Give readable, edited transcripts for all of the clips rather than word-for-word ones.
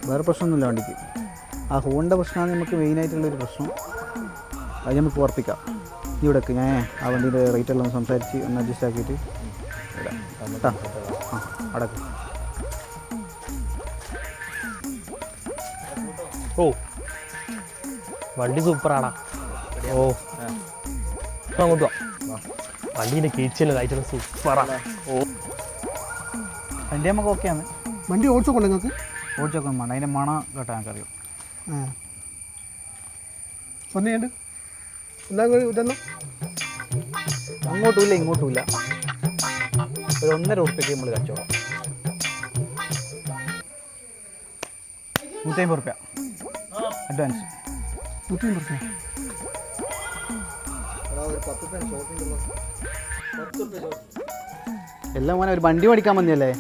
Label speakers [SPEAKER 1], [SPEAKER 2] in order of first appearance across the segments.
[SPEAKER 1] വേറെ പ്രശ്നമൊന്നുമില്ല വണ്ടിക്ക്. ആ ഹോണിൻ്റെ പ്രശ്നമാണ് നമുക്ക് മെയിനായിട്ടുള്ളൊരു പ്രശ്നം. അത് നമുക്ക് ഉറപ്പിക്കാം. ഇവിടേക്ക് ഞാൻ ആ വണ്ടീൻ്റെ റേറ്റെല്ലാം ഒന്ന് സംസാരിച്ച് ഒന്ന് അഡ്ജസ്റ്റ് ആക്കിയിട്ട് ഇടാം കേട്ടോ. ആ അടക്ക്.
[SPEAKER 2] ഓ വണ്ടി സൂപ്പറാടാ. ഓ അങ്ങോട്ട് വാ. വണ്ടീൻ്റെ കീച്ചിലും കാഴ്ചകളും സൂപ്പറാണ്. ഓ
[SPEAKER 1] വണ്ടി നമുക്ക് ഓക്കെയാണ്.
[SPEAKER 3] വണ്ടി ഓടിച്ചോക്കോളെ നിങ്ങൾക്ക്?
[SPEAKER 1] ഓടിച്ചോക്കാൻ വേണ്ട, അതിൻ്റെ മണം കേട്ടോ ഞങ്ങൾക്കറിയാം.
[SPEAKER 3] ഒന്നുണ്ട് എന്നാ ഇതെല്ലാം
[SPEAKER 1] അങ്ങോട്ടുമില്ല ഇങ്ങോട്ടുമില്ല. ഒരു 1.5 ഉറുപ്പ്യക്ക് നമ്മൾ കച്ചവടം. 150 ഉറുപ്പ്യ അഡ്വാൻസ്.
[SPEAKER 3] 150 ഉറുപ്പ്യ.
[SPEAKER 1] എല്ലാം മോനെ ഒരു വണ്ടി മേടിക്കാൻ വന്നല്ലേ?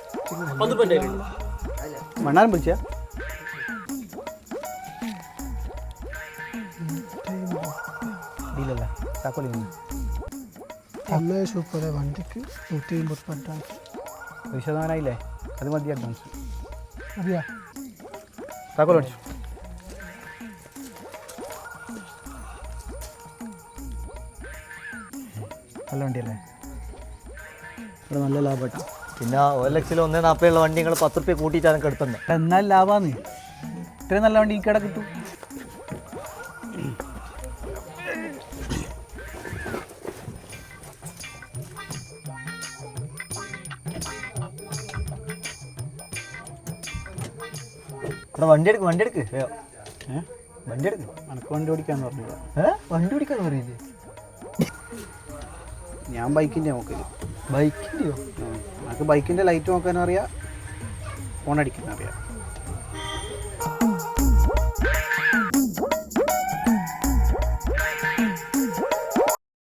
[SPEAKER 1] മണ്ണാരം വിളിച്ച ഇല്ലല്ല താക്കോലി
[SPEAKER 3] നല്ല സൂപ്പർ വണ്ടിക്ക് 150 ഉറുപ്പ്യ അഡ്വാൻസ്.
[SPEAKER 1] 100% അത് മതി അഡ്വാൻസ്.
[SPEAKER 3] അറിയാ
[SPEAKER 1] താക്കോൽ അടിച്ചു. നല്ല വണ്ടിയല്ലേ? ഇവിടെ നല്ല ലാഭം കേട്ടോ.
[SPEAKER 2] പിന്നെ OLX-ൽ 140 വണ്ടി നിങ്ങൾ 10 ഉറുപ്പ്യ കൂട്ടിയിട്ടാണ് എനിക്ക് എടുത്തത്.
[SPEAKER 1] എന്നാൽ ലാഭമാണ്. ഇത്രയും നല്ല വണ്ടി ഈ കട കിട്ടും.
[SPEAKER 2] ഇവിടെ വണ്ടി എടുക്ക് വണ്ടി എടുക്ക്
[SPEAKER 1] എനിക്ക് വണ്ടി ഓടിക്കാന്ന് പറഞ്ഞില്ല.
[SPEAKER 2] വണ്ടി ഓടിക്കാന്ന് പറയില്ലേ?
[SPEAKER 1] ഞാൻ ബൈക്കിൻ്റെ നോക്കല്.
[SPEAKER 2] ബൈക്കിൻ്റെയോ?
[SPEAKER 1] നമുക്ക് ബൈക്കിൻ്റെ ലൈറ്റ് നോക്കാനും അറിയാം, ഫോൺ അടിക്കാനും അറിയാം.